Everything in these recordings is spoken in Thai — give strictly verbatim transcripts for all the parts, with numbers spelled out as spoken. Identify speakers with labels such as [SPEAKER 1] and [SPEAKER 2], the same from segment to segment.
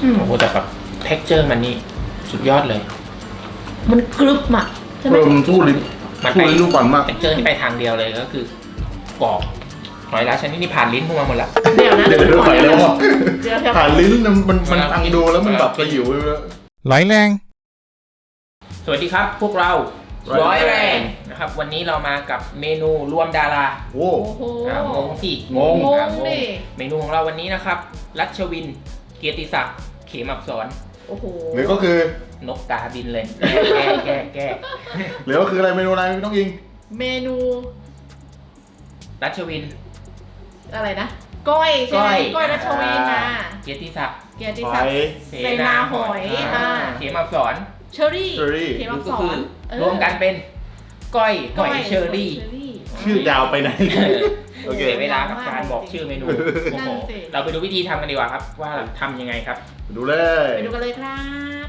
[SPEAKER 1] โอ้โหแต่แบบเท็กเจอร์มันนี่สุดยอดเลย
[SPEAKER 2] มันกรึบอ่ะใช่ไหม
[SPEAKER 3] เออมันสู้ลิ้น
[SPEAKER 1] มัน
[SPEAKER 3] สู้
[SPEAKER 1] ไป
[SPEAKER 3] ลิ้นลูกบอลมาก
[SPEAKER 1] เท็กเจอร์ที่ไปทางเดียวเลยก็คือกรอบหอยลายชนิดนี้ผ่านลิ้นพวกมันหมดละ
[SPEAKER 2] เดี๋ยวนะ
[SPEAKER 3] เดี๋ยวเดี๋ยวถอยแล้วอ่ะ
[SPEAKER 2] เดี๋ยวเดี๋ยว
[SPEAKER 3] ผ่านลิ้นมันมันมันฟังดูแล้วมันแบบกระหิวเลย
[SPEAKER 4] ไหลแรง
[SPEAKER 1] สวัสดีครับพวกเรา
[SPEAKER 3] ร้
[SPEAKER 1] ร้อ
[SPEAKER 3] อย ย
[SPEAKER 1] แร
[SPEAKER 3] แรง ง
[SPEAKER 1] นะครับวันนี้เรามากับเมนูรวมดารา
[SPEAKER 3] โอ้
[SPEAKER 2] โอ้โห
[SPEAKER 1] อ่างงสิ
[SPEAKER 3] งง
[SPEAKER 2] ง
[SPEAKER 1] อ่าง
[SPEAKER 2] ดิ
[SPEAKER 1] เมนูของเราวันนี้นะครับรัชวินเกียรติศักดิ์เขมอักษร
[SPEAKER 2] โอ้โห
[SPEAKER 3] หรือก็คือน
[SPEAKER 1] กกาบินเลยแก้แก้แก้แก้
[SPEAKER 3] หรือก็คืออะไรเมนูอะไรไม่ต้องยิง
[SPEAKER 2] เมนู
[SPEAKER 1] รัชวิน
[SPEAKER 2] อะไรนะก้อยใช่ไหมก้อยรัชวินนะ
[SPEAKER 1] เกียรติศักดิ์
[SPEAKER 2] เกียรติศักดิ์ เสนาหอยอ่า
[SPEAKER 1] เขมอักษร
[SPEAKER 2] เชอรี่
[SPEAKER 3] เชอรี่
[SPEAKER 2] เขมอักษ
[SPEAKER 1] ก็คือ
[SPEAKER 2] รเออ
[SPEAKER 1] รวมกันเป็นก้อยหอยเชอรี่
[SPEAKER 2] เชอรี่
[SPEAKER 3] ชื่อยาวไปไหน โอเค
[SPEAKER 1] เสียเวลากับการบอกชื่อเมนูโอ้โห
[SPEAKER 2] นั่นสิ
[SPEAKER 1] เราไปดูวิธีทำกันดีกว่าครับ ว่าทำยังไงครับ
[SPEAKER 3] ดูเลย
[SPEAKER 2] ไปดูกันเลยครับ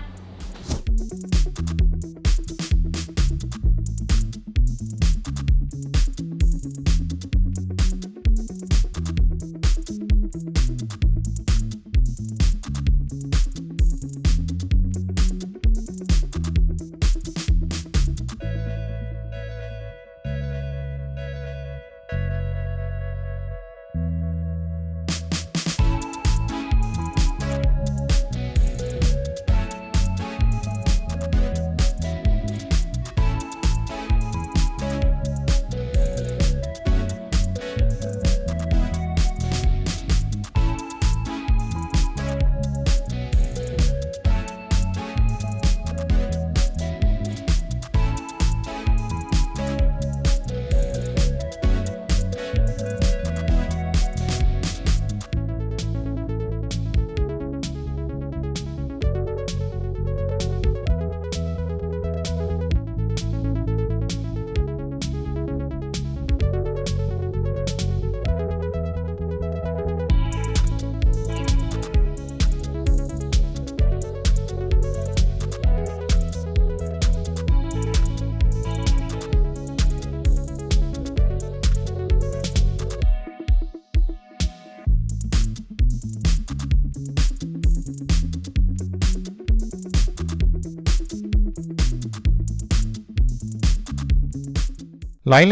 [SPEAKER 4] ไหลแรง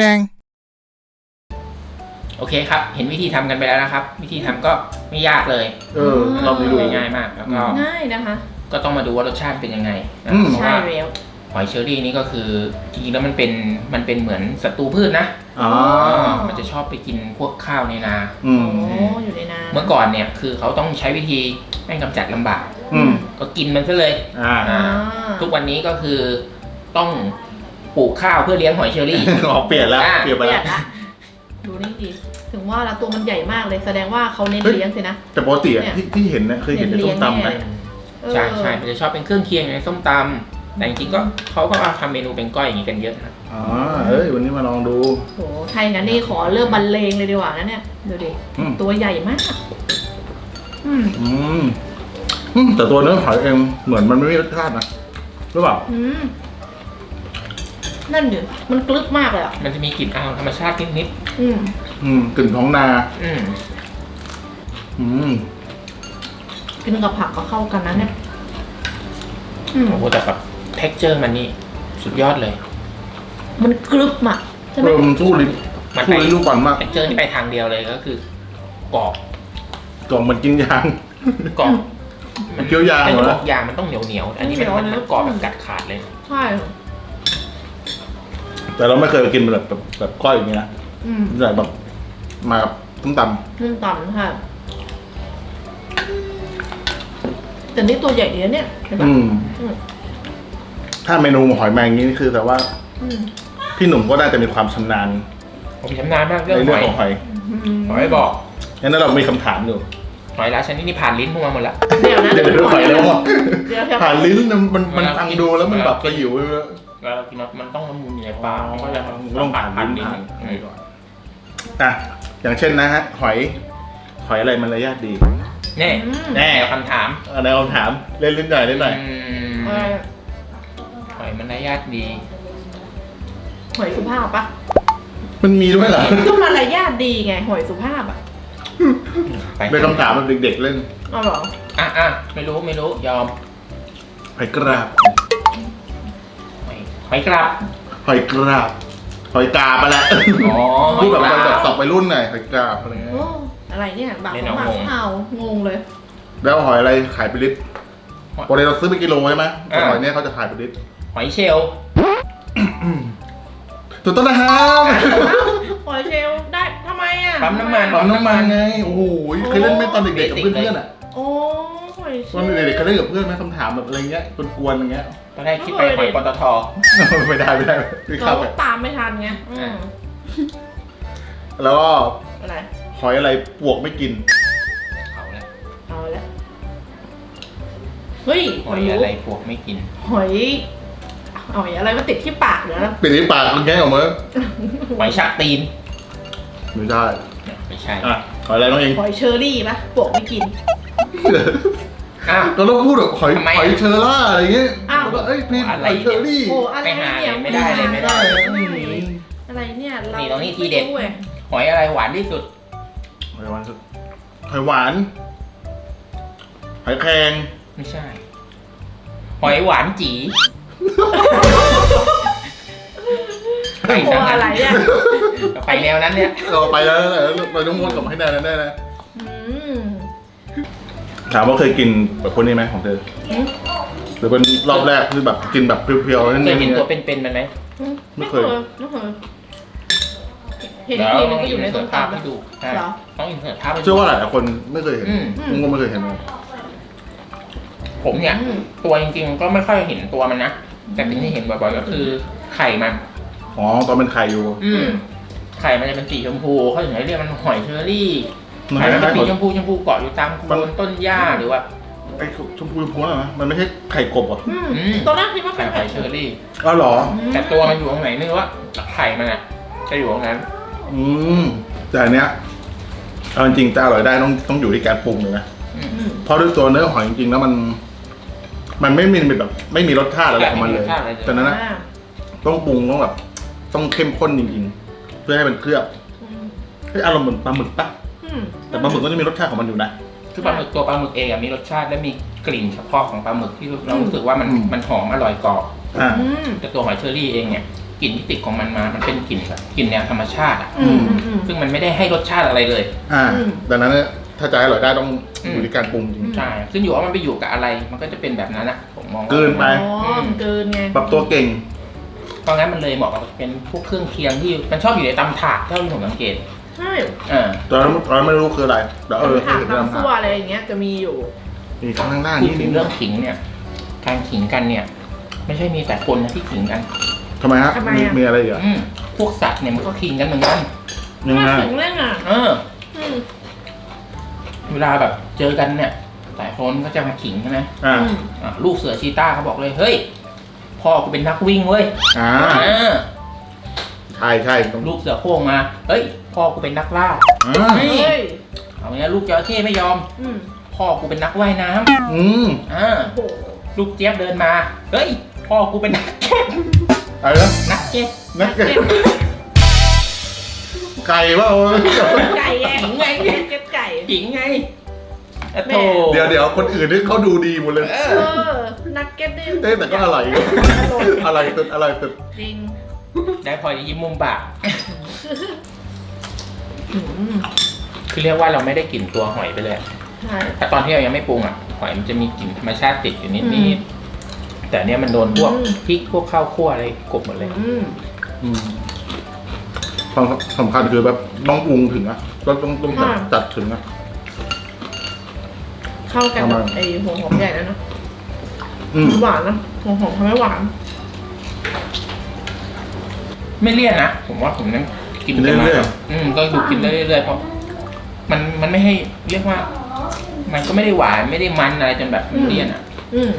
[SPEAKER 1] โอเคครับ เห็นวิธีทำกันไปแล้วนะครับ วิธีทำก็ไม่ยากเลย
[SPEAKER 3] เออเราไปดู
[SPEAKER 1] ง่ายมากแล้วก็
[SPEAKER 2] ง่ายนะคะ
[SPEAKER 1] ก็ต้องมาดูว่ารสชาติเป็นยังไงนะ
[SPEAKER 3] อืม
[SPEAKER 1] เพราะ
[SPEAKER 2] ใช่
[SPEAKER 1] ว่า
[SPEAKER 2] แล้ว
[SPEAKER 1] หอยเชอรี่นี่ก็คือจริงๆแล้วมันเป็นมันเป็นเหมือนศัตรูพืชนะ
[SPEAKER 3] อ๋อ
[SPEAKER 1] มันจะชอบไปกินพวกข้าวในนา
[SPEAKER 3] อืม
[SPEAKER 2] โอ้อยู่ในน้
[SPEAKER 1] เมื่อก่อนเนี่ยคือเขาต้องใช้วิธีแม่งกำจัดลำบาก
[SPEAKER 3] อืม
[SPEAKER 1] ก็กินมันซะเลย
[SPEAKER 3] อ่า
[SPEAKER 2] อ่า
[SPEAKER 1] ทุกวันนี้ก็คือต้องปลูกข้าวเพื่อเลี้ยงหอยเชอรี่
[SPEAKER 3] ออกเปลี่ยนแล้ว
[SPEAKER 1] อ่า
[SPEAKER 3] เปลี่ยนไป
[SPEAKER 2] เปลี่
[SPEAKER 3] แล้
[SPEAKER 2] ยว นละดูนี่ดิถึงว่าละตัวมันใหญ่มากเลยแสดงว่าเขาเน้นเลี้ยงสินะ
[SPEAKER 3] แต่ปกติอะ
[SPEAKER 2] เนี่ย
[SPEAKER 3] ที่ที่เห็นนะเคยเห็นในส้มตำนะ
[SPEAKER 2] เออ
[SPEAKER 1] ใช่ใช่มันจะชอบเป็นเครื่องเคียงในส้มตำแต่จริงๆก็เขาก็เอาทำเมนูเป็นก้อยอย่างนี้กันเยอะนะ
[SPEAKER 3] อ๋อเอ้ยวันนี้มาลองดู
[SPEAKER 2] โหไทยงั้นนี่ขอเริ่มบรรเลงเลยดีกว่านะเนี่ยดูดิ
[SPEAKER 3] อืม
[SPEAKER 2] ตัวใหญ่มากอืม
[SPEAKER 3] อืมอืมแต่ตัวเนื้อหอยเองเหมือนมันไม่มีรสชาตินะหรือเปล่า
[SPEAKER 2] อืมนั่นดิมันกรึบมากเลยอ่ะ
[SPEAKER 1] มันจะมีกลิ่นอายธรรมชาตินิด
[SPEAKER 2] อืม
[SPEAKER 3] อืมกลิ่นท้องนา
[SPEAKER 1] ๆอืม
[SPEAKER 3] อืม
[SPEAKER 2] กินกับผักก็เข้ากันนะเนี่ยอืม
[SPEAKER 1] โอ้โหแต่แบบเท็กเจอร์มันนี่สุดยอดเลย
[SPEAKER 2] มันกรึบอ่ะใช่ไหม
[SPEAKER 3] เออมันสู้ลิ้น
[SPEAKER 1] มัน
[SPEAKER 3] สู้
[SPEAKER 1] ไป
[SPEAKER 3] ลิ้นลูกบอลมาก
[SPEAKER 1] เท็กเจอร์ที่ไปทางเดียวเลยก็คือกรอบ
[SPEAKER 3] กล่องมันกินยาง
[SPEAKER 1] กรอบ
[SPEAKER 3] มันเคี้ยวยาง
[SPEAKER 1] ไม่
[SPEAKER 3] เหร
[SPEAKER 1] ได้
[SPEAKER 3] อ
[SPEAKER 1] บอกยางมันต้องเหนียวเหนียวๆอันนี้มันมันมันกรอบแบบกัดขาดเลย
[SPEAKER 2] ใช่
[SPEAKER 3] แต่เราไม่เคยกินแบบแบบแบบก้อยอย่างนี้นะ
[SPEAKER 2] อืม
[SPEAKER 3] ใส่แบบมากับต้มต
[SPEAKER 2] นึ่งต่ำค่ะแต่นี่ตัวใหญ่ดีนะเนี่ยเห็น
[SPEAKER 3] ำ
[SPEAKER 2] ปะ
[SPEAKER 3] อืม
[SPEAKER 2] อืม
[SPEAKER 3] ถ้าเมนูหอยแมงนี้นี่คือแต่ว่า
[SPEAKER 2] อืม
[SPEAKER 3] พี่หนุ่มก็น่าจะมีความชำนาญ
[SPEAKER 1] ผมชำนาญมากเรื่อง
[SPEAKER 3] ใน
[SPEAKER 1] ห
[SPEAKER 3] เรื่อ
[SPEAKER 1] อง ย
[SPEAKER 3] ของหอย
[SPEAKER 1] หอยบอก
[SPEAKER 3] งั้นเรามีคำถามอยู่
[SPEAKER 1] หอยลายชนิดนี้ผ่านลิ้นพวกมันหมดละ
[SPEAKER 2] เดี๋ยวนะ
[SPEAKER 3] เดี๋ยวเดี๋ยวถอยแล้วอ่ะ
[SPEAKER 2] เดี๋ยวเดี๋ยว
[SPEAKER 3] ผ่านลิ้นมันมันมันฟังดูแล้วมันแบบกระหิวเลย
[SPEAKER 1] แล้วเรากินมันต้องละมุนอยู่ในปากมันก็จะ
[SPEAKER 3] ต้องผ่าน
[SPEAKER 1] ผ่าน
[SPEAKER 3] ลิ้
[SPEAKER 1] ลิ้
[SPEAKER 3] น
[SPEAKER 1] น
[SPEAKER 3] ผ่าน
[SPEAKER 1] อืม
[SPEAKER 3] อ่ะอย่างเช่นนะฮะ หอย หอยอะไรมันระยะดี
[SPEAKER 1] แน่
[SPEAKER 2] อืม
[SPEAKER 3] แน่
[SPEAKER 1] คำถาม
[SPEAKER 3] อันไหนลองถามเล่นลิ้นหน่อยเล่นหน่อย
[SPEAKER 1] อืม
[SPEAKER 2] เออ
[SPEAKER 1] หอยมันได้ญาติดี
[SPEAKER 2] หอยสุภาพปะ
[SPEAKER 3] มันมีด้วยเหรอ
[SPEAKER 2] ก็มารยาทดีไงหอยสุภาพอ่ะ
[SPEAKER 1] ไป
[SPEAKER 3] เป็นคำถามแบบเด็กๆเล่น
[SPEAKER 2] เอาเหรอ
[SPEAKER 1] อ่ะอ่ะไม่รู้ไม่รู้ยอม
[SPEAKER 3] หอยกราบ
[SPEAKER 1] หอยหอยกราบ
[SPEAKER 3] หอยกราบหอยกาบไปแล้ว
[SPEAKER 1] อ๋อ
[SPEAKER 3] พูดแบบ
[SPEAKER 1] หอยก
[SPEAKER 3] แบ
[SPEAKER 1] รา
[SPEAKER 3] บสับไปรุ่นหน่อยหอยกราบอะไรเงี้ย
[SPEAKER 2] โอ้อะไรเนี่ยบาง
[SPEAKER 1] ไม่
[SPEAKER 2] ข
[SPEAKER 1] น้
[SPEAKER 2] อ
[SPEAKER 1] อง
[SPEAKER 2] งบาง
[SPEAKER 1] งง
[SPEAKER 2] เอางงเลย
[SPEAKER 3] แล้วหอยอะไรขายเป็นลิตรปกติเราซื้อเป็นกิโลใช่ไหมแต่หอยเนี้ยเขาจะขายเป็นลิตร
[SPEAKER 1] หอยเชลล์
[SPEAKER 3] ถูกต้องนะครับ
[SPEAKER 2] หอยเชลล์ได้ทำไมอ่ะ
[SPEAKER 1] ปั๊มน้ำมัน
[SPEAKER 3] ปั๊มน้ำมันไงโอ้โหเคยเล่นไหมตอนเด็กๆกับเพื่อนๆอ่ะ
[SPEAKER 2] โอ้หอยเช
[SPEAKER 3] ตอน
[SPEAKER 2] ลล์
[SPEAKER 3] เด็กๆเคยเล่นกับเพื่อนไหมคำถามแบบอะไรเงี้ยกวนๆอย่างเงี้ย
[SPEAKER 1] ตอนแรกคิดไปหอยปตท
[SPEAKER 3] ไม่ได้ไม่ได้ไม่
[SPEAKER 2] เรา
[SPEAKER 3] เข้าไป
[SPEAKER 2] ตามไม่ทันไงอืม
[SPEAKER 3] แล้วก็
[SPEAKER 2] อะไร
[SPEAKER 3] หอยอะไรปวกไม่กิน
[SPEAKER 1] เอาละ
[SPEAKER 2] เอาละเฮ้ย
[SPEAKER 1] หอยอะไรพวกไม่กิน
[SPEAKER 2] หอยหอยอะไรมาติดที่ปากเดี๋ยวนะ
[SPEAKER 3] ปิดที่ปากมันแง่ออกมา
[SPEAKER 1] หอยชักตีน
[SPEAKER 3] ไม่ได้
[SPEAKER 1] ไม่ใช่
[SPEAKER 3] อ่ะหอยอะไรน้องเอง
[SPEAKER 2] หอยเชอรี่ปะปวกไม่กิน
[SPEAKER 1] อ้าว
[SPEAKER 3] ก็ต้องพูดแบบหอย
[SPEAKER 1] ทำไม
[SPEAKER 3] หอยเชอร่าอะไรเงี้ย
[SPEAKER 2] อ้าว
[SPEAKER 3] แล้วก็เอ้ยพี่
[SPEAKER 1] อะไร
[SPEAKER 3] หอยเชอรี่
[SPEAKER 2] โอ้อะไร
[SPEAKER 1] ไม่หา
[SPEAKER 2] เนี่ย
[SPEAKER 1] ไม่ได้เลยไม่ได้
[SPEAKER 3] อืม
[SPEAKER 2] อะไรเนี่ยเรา
[SPEAKER 1] นี่ตรงนี้ทีเด็ด
[SPEAKER 2] ไม่รู้ว้ย
[SPEAKER 1] หอยอะไรหวานที่สุด
[SPEAKER 3] หอยหวานสุดหอยหวานหอยแครง
[SPEAKER 1] ไม่ใช่ หอยหวานจี ไป
[SPEAKER 2] โอ้
[SPEAKER 1] ทาง
[SPEAKER 2] อะไร
[SPEAKER 1] นั้น
[SPEAKER 2] เนี่ย
[SPEAKER 1] ไปแนวนั้นเนี่ย
[SPEAKER 3] เราไปแล้วนะเราต้องวนกลับมาให้ได้นะได้นะ
[SPEAKER 2] อืม
[SPEAKER 3] ถามว่าเคยกินแบบคนนี้ไหมของเธอ
[SPEAKER 2] อืม
[SPEAKER 3] หรือเป็นรอบแรกคือแบบกินแบบเพียวๆนั่น
[SPEAKER 1] เค
[SPEAKER 3] เอย ง
[SPEAKER 1] เห็น
[SPEAKER 3] เนี่ย
[SPEAKER 1] ตัวเป็นๆมันไหม
[SPEAKER 3] ไม่เคย
[SPEAKER 2] ไม่เคยเห็นทีนึงก็อยู่ในต้น
[SPEAKER 1] ภาพ
[SPEAKER 2] ตำ
[SPEAKER 1] ให้ดูใช่
[SPEAKER 2] เหรอ
[SPEAKER 1] ต้องอินเสิร์ตภาพให้ดู
[SPEAKER 3] เชื่อว่าหลายๆคนไม่เคยเห็น
[SPEAKER 1] อืม
[SPEAKER 3] ผมก็ไม่เคยเห็นเลย
[SPEAKER 1] ผมเนี่ย
[SPEAKER 2] อืม
[SPEAKER 1] ตัวจริงๆก็ไม่ค่อยเห็นตัวมันนะ แต่สิ่งที่เห็นบ่อยๆก็คือไข่มัน
[SPEAKER 3] อ๋อตอนเป็นไข่อยู่
[SPEAKER 1] อืมไข่มันจะเป็นสีชมพูเขาถึงเรียกมันหอยเชอรี่
[SPEAKER 3] มัน
[SPEAKER 1] ไข่มันเป็น
[SPEAKER 3] คล้ายๆ
[SPEAKER 1] สีชมพูชมพูเกาะอยู่ตามโคนต้นหญ้าหรือว่า
[SPEAKER 3] ไอ้ชมพูชมพูน่ะนะมันไม่ใช่ไข่กบเหรอ
[SPEAKER 2] อืม
[SPEAKER 1] อืม
[SPEAKER 2] ตอนแรกคิดว่า
[SPEAKER 1] ไข่
[SPEAKER 2] เป็น
[SPEAKER 1] หอยเชอรี่
[SPEAKER 3] อ้าวเหรอ
[SPEAKER 1] แต่ตัวมันอยู่ตรงไหนไม่รู้ว่าไข่มันอ่ะจะอยู่ตรงนั้น
[SPEAKER 3] อืมแต่อันเนี้ยเอาจริงๆจะอร่อยได้ต้องต้องอยู่ที่การปรุงเลยนะ
[SPEAKER 1] อืม
[SPEAKER 2] อืม
[SPEAKER 3] เพราะด้วยตัวเนื้อหอยจริงๆแล้วมัน มันไม่มีแบบ ไม่มีรสชาติอะไรของมันเลย
[SPEAKER 1] ไม่มีรสชาติอะไรเลย
[SPEAKER 3] แต่นั้นนะ
[SPEAKER 2] อ่า
[SPEAKER 3] ต้องปรุงต้องแบบ ต้องเข้มข้นจริงๆ เพื่อให้มันเคลือบ
[SPEAKER 2] อืม
[SPEAKER 3] ให้อารมณ์เหมือนปลาหมึกปะ
[SPEAKER 2] อืม
[SPEAKER 3] แต่ปลาหมึกก็จะมีรสชาติของมันอยู่นะ
[SPEAKER 1] คือปลาหมึกตัวปลาหมึกเองอะมีรสชาติและมีกลิ่นเฉพาะของปลาหมึกที่เรารู้สึกว่ามัน
[SPEAKER 3] อืม
[SPEAKER 1] มันหอมอร่อยกรอบ
[SPEAKER 3] อ่า
[SPEAKER 2] อืม
[SPEAKER 1] แต่ตัวหอยเชอรี่เองเนี่ยกลิ่นที่ติดของมันมา มันเป็นกลิ่นแบบกลิ่นแนวธรรมชาติอ่ะ
[SPEAKER 2] อืมอืมอืม
[SPEAKER 1] ซึ่งมันไม่ได้ให้รสชาติอะไรเลย
[SPEAKER 3] อ่า
[SPEAKER 2] อืม
[SPEAKER 3] ดังนั้นเนี่ยถ้าจะให้อร่อยได้ต้อง
[SPEAKER 1] อืม
[SPEAKER 3] อยู่ที่การปรุงจริง
[SPEAKER 1] ใช่ซึ่งอยู่ว่ามันไปอยู่กับอะไร มันก็จะเป็นแบบนั้นอะผมมองว่า
[SPEAKER 3] เกินไป
[SPEAKER 2] อ๋อมันเกินไง
[SPEAKER 3] ปรับตัวเก่ง
[SPEAKER 1] เพราะงั้นมันเลยเหมาะกับเป็นพวกเครื่องเคียงที่มันชอบอยู่ในตำถาดเท่าที่ผมสังเกต
[SPEAKER 2] ใช่
[SPEAKER 1] เออ
[SPEAKER 3] ตอนนั้นตอนนั้นไม่รู้คืออะไรแต่เออ
[SPEAKER 2] ถาม
[SPEAKER 3] เห็น
[SPEAKER 2] น้ำ
[SPEAKER 3] น้ำ
[SPEAKER 2] ซั่วอะไรอย่างเงี้ยจะมีอยู่
[SPEAKER 3] มีข้างล่าง
[SPEAKER 1] พูด
[SPEAKER 3] นี่
[SPEAKER 1] ถึงเรื่องขิงเนี่ย การขิงกันเนี่ย ไม่ใช่มีแต่คนนะที่ขิงกัน
[SPEAKER 3] ทำไมฮะ
[SPEAKER 2] ทำไม
[SPEAKER 3] มี
[SPEAKER 2] อะ
[SPEAKER 3] มีอะไรอีกอ่ะ
[SPEAKER 1] อืมพวกสัตว์เนี่ยมันก็ขิงกันเหมือนกัน
[SPEAKER 3] ยังไง
[SPEAKER 2] น่าถึงเรื่องอ่ะ
[SPEAKER 1] เออ
[SPEAKER 2] อืม
[SPEAKER 1] เวลาแบบเจอกันเนี่ยหลายคนก็จะมาขิงใช่ไหม
[SPEAKER 3] อ่า
[SPEAKER 2] อืม
[SPEAKER 1] อ่ะลูกเสือชีต้าเขาบอกเลยเฮ้ยพ่อกูเป็นนักวิ่งเว้ย
[SPEAKER 3] อ่า
[SPEAKER 1] เออ
[SPEAKER 3] ใช่ใช่ต้อง
[SPEAKER 1] ลูกเสือโคร่งมาเฮ้ยพ่อกูเป็นนักล่า
[SPEAKER 3] อ่า
[SPEAKER 1] เฮ้ย
[SPEAKER 2] เฮ้ย
[SPEAKER 1] เอาเนี้ยลูกจระเข้ไม่ยอม
[SPEAKER 2] อืม
[SPEAKER 1] พ่อกูเป็นนักว่ายน้
[SPEAKER 3] อืม
[SPEAKER 1] ำอ่า
[SPEAKER 2] โอ้โห
[SPEAKER 1] ลูกเจี๊ยบเดินมาเฮ้ยพ่อกูเป็นนักเก็ต
[SPEAKER 3] อะไรนะ
[SPEAKER 1] นักเก็ต
[SPEAKER 3] นักเก็ตไก่เปล่า
[SPEAKER 2] ไก่ไง
[SPEAKER 1] ขิงไง
[SPEAKER 2] เก็บไก่
[SPEAKER 1] ขิงไงอะ
[SPEAKER 2] แม่
[SPEAKER 1] โถ
[SPEAKER 3] เดี๋ยวเดี๋ยวคนอื่นนี่เขาดูดีหมดเลย
[SPEAKER 1] เอ
[SPEAKER 2] เอ
[SPEAKER 1] อ
[SPEAKER 2] อนักเก็ตนี่
[SPEAKER 3] เต้แต่ก็อร่อยอร่อยสุดอร่อยสุด
[SPEAKER 2] จริง
[SPEAKER 1] ได้พอจะยิ้มมุมปาก
[SPEAKER 2] อืม
[SPEAKER 1] คือเรียกว่าเราไม่ได้กลิ่นตัวหอยไปเลย
[SPEAKER 2] ใช่
[SPEAKER 1] แต่ตอนที่เรายังไม่ปรุงอ่ะหอยมันจะมีกลิ่นธรรมชาติติดอยู่นิด
[SPEAKER 2] อื
[SPEAKER 1] นิ
[SPEAKER 2] ม
[SPEAKER 1] ดแต่เนี้ยมันโดนพวก
[SPEAKER 2] อืม
[SPEAKER 1] พริกพวกข้าวคั่วอะไรกลบหมดเลย
[SPEAKER 2] อืม
[SPEAKER 3] อืมความสำคัญคือแบบต้องปรุงถึงอะก็ต้องต้องจัดจัดถึงอะ
[SPEAKER 2] เข้ากัน
[SPEAKER 3] ทำไม
[SPEAKER 2] กับไอ้หัวหอมใหญ่แล้วนะ
[SPEAKER 3] อืม
[SPEAKER 2] หวานนะหัวหอมทำให้หวาน
[SPEAKER 1] ไม่เลี่ยนนะผมว่าผมนั้นกินไปมาอืมก็ดูกินได้เรื่อยๆเพราะมันมันไม่ให้เรียกว่า มันก็ไม่ได้หวานไม่ได้มันอะไรจนแบบมันเลี่ยนอ่ะ
[SPEAKER 2] อืม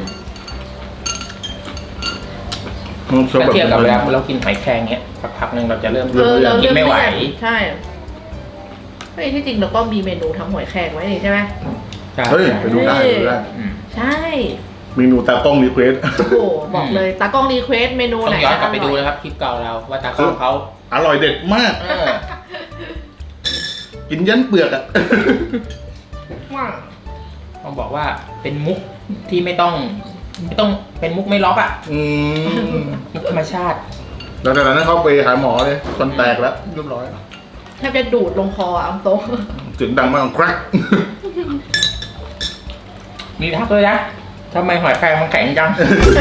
[SPEAKER 3] มันชอบ
[SPEAKER 1] ถ้า
[SPEAKER 3] แบบ
[SPEAKER 1] เทียบกับเวลาเรากินหอยแครงเนี้ยสักพักหนึ่งเราจะเริ่ม
[SPEAKER 2] เออเรา
[SPEAKER 1] กินไม่ไหว
[SPEAKER 2] ใช่เฮ้ยที่จริงเราก็มีเมนูทำหอยแครงไว้นี่ใช่ไหม
[SPEAKER 3] เฮ้ยไปดูได้ไปดูได้
[SPEAKER 1] อืม
[SPEAKER 2] ใช่
[SPEAKER 3] เมนูตากล้องรีเควส
[SPEAKER 2] โอ้โหบอกเลยตากล้องรีเควสเมนู
[SPEAKER 1] ต้อ
[SPEAKER 2] ไหน
[SPEAKER 1] งย้อนกลับไปดู
[SPEAKER 2] อ
[SPEAKER 1] นะ
[SPEAKER 2] ร่อย
[SPEAKER 1] ครับคลิปเก่าเราว่าตากล้องเขา
[SPEAKER 3] อร่อยเด็ดมาก
[SPEAKER 1] เออ
[SPEAKER 3] กินยันเปลือกอ่ะ
[SPEAKER 2] ว่า
[SPEAKER 1] ต้องบอกว่าเป็นมุกที่ไม่ต้องไม่ต้องเป็นมุกไม่ล็อกอ่ะ
[SPEAKER 3] อืม
[SPEAKER 1] มุกธรรมชาติ
[SPEAKER 3] แล้วจากนั้นเขาไปหาหมอเลยฟันแตกแล้วเรียบร้อย
[SPEAKER 2] แทบจะดูดลงคออ่ะอัมโต
[SPEAKER 3] เสียงดังมากแกรก
[SPEAKER 1] มีทักเลยนะทำไมหอยแครงมันแข็งจัง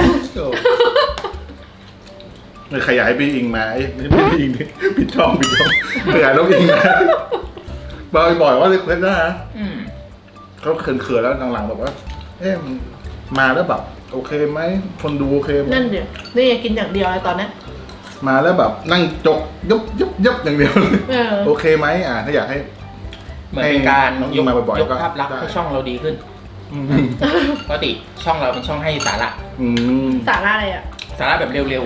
[SPEAKER 3] เลยขยายไปอิงมาไอ้ไม่ใช่ไปอิงดิปิดช่องปิดช่องขยายแล้วอิงมาบ่อยบ่อยว่าเลยเพื่อนนะ
[SPEAKER 1] อืม
[SPEAKER 3] เขาเขินๆแล้วหลังๆแบบว่า เอ๊ะมันมาแล้วแบบโอเคไหมคนดูโอเคไหม
[SPEAKER 2] นั่นเดี๋ยวนี่กินอย่างเดียวเลยตอนนี้
[SPEAKER 3] มาแล้วแบบนั่งจกยบยบยบอย่างเดียว
[SPEAKER 2] เออ
[SPEAKER 3] โอเคไหมอ่าถ้าอยากให้
[SPEAKER 1] เหมือนเป็นการ
[SPEAKER 3] ให้น้อง
[SPEAKER 1] ย
[SPEAKER 3] อิ
[SPEAKER 1] ก
[SPEAKER 3] งมาบ่อยๆ
[SPEAKER 1] ยก
[SPEAKER 3] ก็
[SPEAKER 1] ภาพลักษณ์
[SPEAKER 3] ได้
[SPEAKER 1] ให้ช่องเราดีขึ้น
[SPEAKER 3] อืม
[SPEAKER 1] ปกติช่องเราเป็นช่องให้สาระ
[SPEAKER 3] อืม
[SPEAKER 2] สาระอะไรอ่ะ
[SPEAKER 1] สาระแบบเร็ว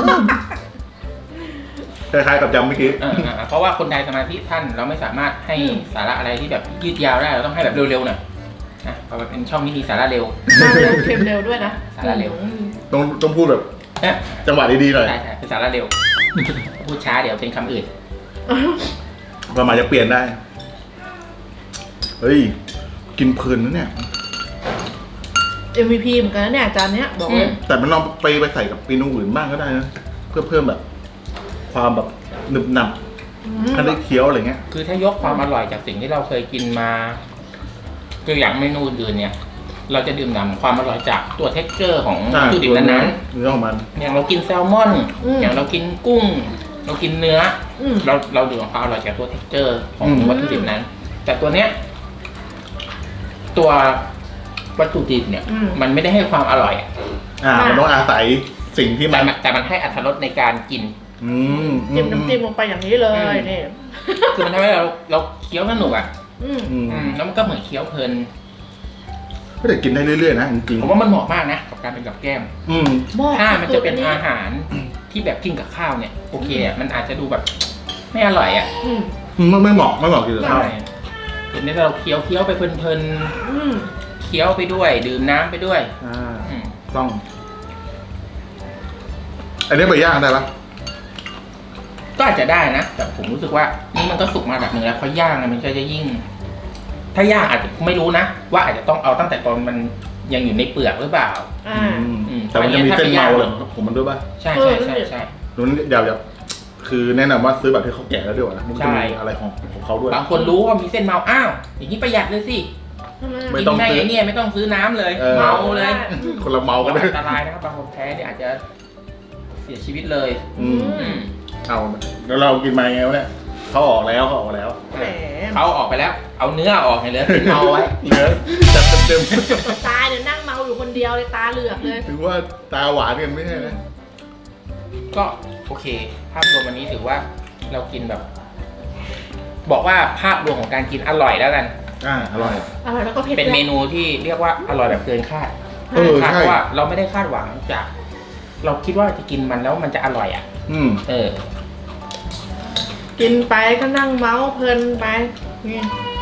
[SPEAKER 3] คล้ายๆกับยำเมื่อกี้
[SPEAKER 1] ๆเออๆเพราะว่าคนไทยสมาธิท่านเราไม่สามารถให้สาระอะไรที่แบบยืดยาวได้เราต้องให้แบบเร็วๆหน่อยนะเพราะว่าเป็นช่องที่มีสาระเร็ว
[SPEAKER 2] มาเร็วเค็มเร็วด้วยนะ
[SPEAKER 1] สาระเร็ว
[SPEAKER 2] อืม
[SPEAKER 3] ต้องต้องพูดแบบ
[SPEAKER 1] เอ๊ะ
[SPEAKER 3] จังหวะดีๆหน่อย
[SPEAKER 1] ใช่ใช่เป็นสาระเร็ว พูดช้าเดี๋ยวเป็นคำอื่น
[SPEAKER 3] ประมาณจะเปลี่ยนได้ เฮ้ย กินเพลินนะเนี่ย
[SPEAKER 2] เอ็ม วี พี เหมือนกันนะเนี่ยจานเนี้ยบอก
[SPEAKER 1] อื
[SPEAKER 2] เล
[SPEAKER 1] ม
[SPEAKER 2] ย
[SPEAKER 3] แต่มันลองไปไปใส่กับเมนูอื่นบ้างก็ได้นะ เพื่อเพิ่มแบบ ความแบบหนึบหนับ
[SPEAKER 2] อืม
[SPEAKER 3] ถ้าได้เคี้ยวอะไรเงี้ย
[SPEAKER 1] คือถ้ายกความอร่อยจากสิ่งที่เราเคยกินมาตัวอย่างเมนูอื่นเนี่ย เราจะดื่มด่ำความอร่อยจากตัวเท็กเจอร์ของ
[SPEAKER 3] ใช่
[SPEAKER 1] วัตถุดิบนั้น
[SPEAKER 3] เนื้อของมัน
[SPEAKER 1] ๆอย่างเรากินแซลมอน อย่างเรากินกุ้ง เรากินเนื้อ
[SPEAKER 2] อืม
[SPEAKER 1] เราเราดื่มความอร่อยจากตัวเท็กเจอร์ของ
[SPEAKER 3] อืม
[SPEAKER 1] วัตถุดิบนั้น แต่ตัวเนี้ย ตัววัตถุดิบเนี่ย
[SPEAKER 2] อืม
[SPEAKER 1] มันไม่ได้ให้ความอร่อยอะ
[SPEAKER 3] อ่า มันต้องอาศัยสิ่งที่มั
[SPEAKER 1] แต่
[SPEAKER 3] น
[SPEAKER 1] มันแต่มันให้อรรถรสในการกิน
[SPEAKER 3] อืม
[SPEAKER 2] จิ้มน้ำจิ้มลงไปอย่างนี้เลย
[SPEAKER 1] อืม
[SPEAKER 2] นี่
[SPEAKER 1] คือมันทำให้เราเราเคี้ยวสนุกอ่ะ
[SPEAKER 2] อืม
[SPEAKER 3] อืม
[SPEAKER 1] อืมแล้วมันก็เหมือนเคี้ยวเพลิน
[SPEAKER 3] ก็แต่กินได้เรื่อยๆนะจริง
[SPEAKER 1] ผมว่ามันเหมาะมากนะกับการเป็นกับแก้ม
[SPEAKER 3] ๆอืม
[SPEAKER 2] หม้อ
[SPEAKER 1] ถ้ามันจะเป็น
[SPEAKER 2] สุดๆ
[SPEAKER 1] อาหารที่แบบกินกับข้าวเนี่ยโอเคอ่ะมันอาจจะดูแบบ ไม่อร่อยอ่ะ
[SPEAKER 2] อืม
[SPEAKER 3] ไม่ไม่เหมาะไม่เหมาะกินกับข้าว
[SPEAKER 1] ใช่เห็นไหมเราเคี้ยวเคี้ยวไปเพลิน
[SPEAKER 2] อืม
[SPEAKER 1] ๆเคี้ยวไปด้วย ดื่มน้ำไปด้วย
[SPEAKER 3] อ่า
[SPEAKER 1] อืม
[SPEAKER 3] ต้อง อันนี้ไปย่างได้ปะ
[SPEAKER 1] ก็อาจจะได้นะแต่ผมรู้สึกว่านี่มันก็สุกมาแบบหนึ่งแล้วพอย่างอะมันก็จะยิ่ง ถ้าย่างอาจจะไม่รู้นะว่าอาจจะต้องเอาตั้งแต่ตอนมันยังอยู่ในเปลือกหรือเปล่า
[SPEAKER 2] อ่า
[SPEAKER 1] อืม
[SPEAKER 3] แต่มันจะมีเส้นเมาเลยผมมันด้วยป่ะ
[SPEAKER 1] ใช่
[SPEAKER 2] เอ
[SPEAKER 1] ใช่
[SPEAKER 2] อ
[SPEAKER 1] ใช่ใช่
[SPEAKER 3] นู้นอย่าอย่าคือแนะนำว่าซื้อแบบที่เขาแกะแล้วดีกว่านะมัน
[SPEAKER 1] ใช่
[SPEAKER 3] จะมีอะไรของของเขาด้วย
[SPEAKER 1] บางคนรู้ว่ามีเส้นเมาอ้าวอย่างนี้ประหยัดเลยสิ
[SPEAKER 3] ไม่
[SPEAKER 1] กิน
[SPEAKER 3] ต้อง
[SPEAKER 1] ได้
[SPEAKER 3] ซื้อ
[SPEAKER 1] ไอ้เนี่ยไม่ต้องซื้อน้ำเลย
[SPEAKER 3] เออ
[SPEAKER 1] เมาเลย
[SPEAKER 3] คนละเมากันเลย
[SPEAKER 1] อันตรายนะครับบางคนแพ้เนี่ยอาจจะเสียชีวิตเลย
[SPEAKER 3] อืม
[SPEAKER 1] อืม เอา
[SPEAKER 3] แล้วเรากินมาไงวะเนี่ยเขาออกแล้วเขาออกแล้ว
[SPEAKER 2] แหม
[SPEAKER 1] เขาออกไปแล้ว เอาเนื้อออกให้เหลือเส้นเมาไว้
[SPEAKER 3] เนื้อจัดเต็ม
[SPEAKER 2] ตาเนี่ยนั่งเมาอยู่คนเดียวเลยตาเหลือกเลย
[SPEAKER 3] ๆถือว่าตาหวานกันไม่ใช่นะ
[SPEAKER 1] ก็โอเค ภาพรวมวันนี้ถือว่าเรากินแบบ บอกว่าภาพรวมของการกินอร่อยแล้วกัน
[SPEAKER 3] อ่าอร่อย
[SPEAKER 2] อร่อยแล้วก็เผ็ด
[SPEAKER 1] เป็นเม
[SPEAKER 2] ด้วย
[SPEAKER 1] นูที่เรียกว่าอร่อยแบบเกินคาด
[SPEAKER 3] เออ
[SPEAKER 1] คาด
[SPEAKER 3] ใช่
[SPEAKER 1] เพราะว่าเราไม่ได้คาดหวังจาก เราคิดว่าจะกินมันแล้วมันจะอร่อยอ่ะ
[SPEAKER 3] อืม
[SPEAKER 1] เออ
[SPEAKER 2] กินไปก็นั่งเมาเพลินไปนี่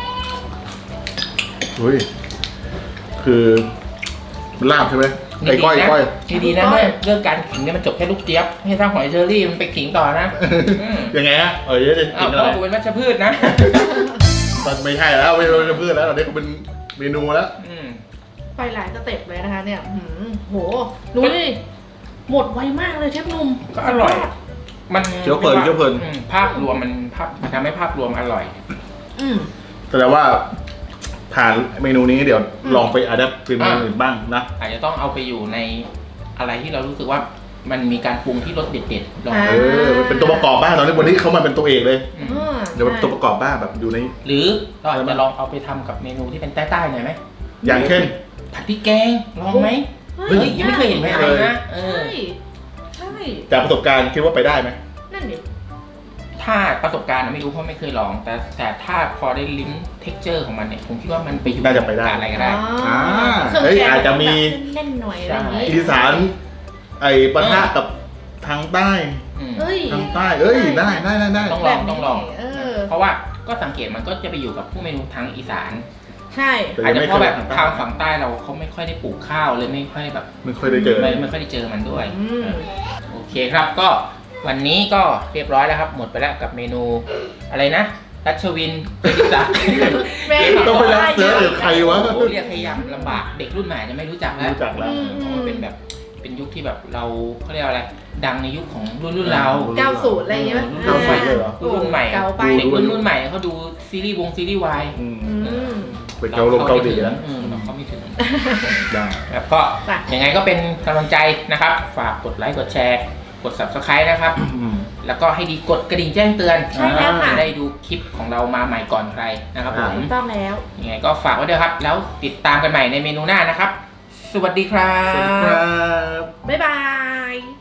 [SPEAKER 3] เฮ้ยคือมันลาบใช่ไหม
[SPEAKER 1] นี่
[SPEAKER 3] ไอ้ก้อย
[SPEAKER 1] ดีนะ
[SPEAKER 3] ก้อย
[SPEAKER 1] นี่ดีนะเรื่องเรื่องการขิงเนี่ยมันจบแค่ลูกเจี๊ยบให้สร้างหอยเชอรี่มันไปขิงต่อนะอืม
[SPEAKER 3] ยังไงฮะเออจะ
[SPEAKER 1] อ้า
[SPEAKER 3] กิ
[SPEAKER 1] วน เพ
[SPEAKER 3] อะไร
[SPEAKER 1] ราะว่ากูเป็นวัชพืชนะ
[SPEAKER 3] ตอนไม่ใช่แล้วไม่ใช่พืชแล้วตอนนี้ก็เป็นเมนูแล้ว
[SPEAKER 1] อืม
[SPEAKER 2] ไปหลายสเต็ปเลยนะคะ เนี่ยหืมโหดูดิหมดไวมากเลยเชฟหนุ่ม
[SPEAKER 1] ก็อร่อย มัน
[SPEAKER 3] เคี้ยวเพลินเคี้ยวเพลิน
[SPEAKER 1] อืมภาพรวมมันภาพมันทำให้ภาพรวมอร่อย
[SPEAKER 2] อืม
[SPEAKER 3] แสดงว่าทานเมนูนี้เดี๋ยว
[SPEAKER 2] อืม
[SPEAKER 3] ลองไปอัดแอปเป็นเมนูอื่นบ้างนะ
[SPEAKER 1] อาจจะต้องเอาไปอยู่ในอะไรที่เรารู้สึกว่ามันมีการปรุงที่รสเด็ดๆลอง
[SPEAKER 2] อ่า
[SPEAKER 3] เออเป็นตัวประกอบบ้างตอนนี้วันนี้เขามาเป็นตัวเอกเลย
[SPEAKER 1] อืม
[SPEAKER 2] อ่า
[SPEAKER 3] เดี๋ยวเป็นตัวประกอบบ้างแบบอยู่ใน
[SPEAKER 1] หรือเราอาจจะลองเอาไปทำกับเมนูที่เป็นใต้ๆหน่อยไหม
[SPEAKER 3] อย่างเช่น
[SPEAKER 1] ผัดพริกแกงลองไหม
[SPEAKER 2] เฮ้
[SPEAKER 1] เฮ้ยยังไม่เคยเห็นไหม
[SPEAKER 3] ไม่
[SPEAKER 1] อะไร
[SPEAKER 3] เคย
[SPEAKER 1] นะเออ
[SPEAKER 2] ใช่ใช่
[SPEAKER 3] จากประสบการณ์คิดว่าไปได้ไหม
[SPEAKER 2] นั่นดิ
[SPEAKER 1] ถ้าประสบการณ์อะไม่รู้เพราะไม่เคยลอง แต่แต่ถ้าพอได้ลิ้มเท็กเจอร์ของมันเนี่ยผมคิดว่ามันไปอยู่
[SPEAKER 3] น่าจะไปได้
[SPEAKER 1] กับอะไรก็ได้
[SPEAKER 3] อ่า
[SPEAKER 2] เครื่อง
[SPEAKER 3] เฮ้ย
[SPEAKER 2] แกง
[SPEAKER 3] อาจจะมี
[SPEAKER 2] แบบเล่นๆหน่อยอะไรอย่างงี้
[SPEAKER 3] อีสานไอ้ปะทะกับทางใต้
[SPEAKER 1] อืม
[SPEAKER 2] เฮ้ย
[SPEAKER 3] ทางใต้ เอ้ยได้ได้ได้ได้
[SPEAKER 1] ต้องลองต้องลอง
[SPEAKER 2] เออ
[SPEAKER 1] เพราะว่าก็สังเกตมันก็จะไปอยู่กับพวกเมนูทางอีสาน
[SPEAKER 2] ใช่
[SPEAKER 3] แต่
[SPEAKER 1] อาจ
[SPEAKER 3] ยัง
[SPEAKER 1] จะ
[SPEAKER 3] ไม่
[SPEAKER 1] เพราะแบบ
[SPEAKER 3] คย
[SPEAKER 1] ทางฝั่งใต้เราเขาไม่ค่อยได้ปลูกข้าวเลยไม่ค่อยแบบ
[SPEAKER 3] ไม่ค่อยได้เจอ
[SPEAKER 1] ไม่ไม่ค่อยได้เจอมันด้วย
[SPEAKER 2] อืม
[SPEAKER 1] โอเคครับก็วันนี้ก็เรียบร้อยแล้วครับ หมดไปแล้วกับเมนูอะไรนะรัชวินเจดิศักดิ์
[SPEAKER 2] แม่
[SPEAKER 3] ต้องไปรับเสิร์ชหรือใครวะ
[SPEAKER 1] โอ้โหเรียกให้ยากลำบากเด็กรุ่นใหม่จะไม่รู้จักแล้ว
[SPEAKER 3] รู้จักแล้ว
[SPEAKER 1] เพราะมันเป็นแบบเป็นยุคที่แบบเราเขาเรียกว่าอะไร ดังในยุคของรุ่นรุ่นเรา
[SPEAKER 2] เก้าสูตรอะไรอย่างเงี้ย
[SPEAKER 1] เก้าสิบเลยเหรอ
[SPEAKER 2] โอ้โห
[SPEAKER 1] รุ่นใหม่
[SPEAKER 2] เก่าไป
[SPEAKER 1] เด็กรุ่นรุ่นใหม่เขาดูซีรีส์วงซีรีส์วาย
[SPEAKER 3] อืม
[SPEAKER 2] อืม
[SPEAKER 3] ไปเกาลงเกาหลีแล้ว
[SPEAKER 1] เออเราเข้าไม่ถึง
[SPEAKER 3] ได้
[SPEAKER 1] แล้วก็
[SPEAKER 2] จ้ะ
[SPEAKER 1] ยังไงก็เป็นกำลังใจนะครับ ฝากกดไลค์กดแชร์ กด ซับสไครบ์ นะครับ
[SPEAKER 3] อืม
[SPEAKER 1] แล้วก็ให้ดีกดกระดิ่งแจ้งเตือน
[SPEAKER 2] ใช่แล้วค่ะ
[SPEAKER 1] จะได้ดูคลิปของเรามาใหม่ก่อนใครนะครับผม
[SPEAKER 2] ถูกต้องแล้ว
[SPEAKER 1] ยังไงก็ฝากไว้ด้วยครับ แล้วติดตามกันใหม่ในเมนูหน้านะครับ สวัสดีครั
[SPEAKER 3] สวัสดีครับ บ
[SPEAKER 2] บ๊ายบาย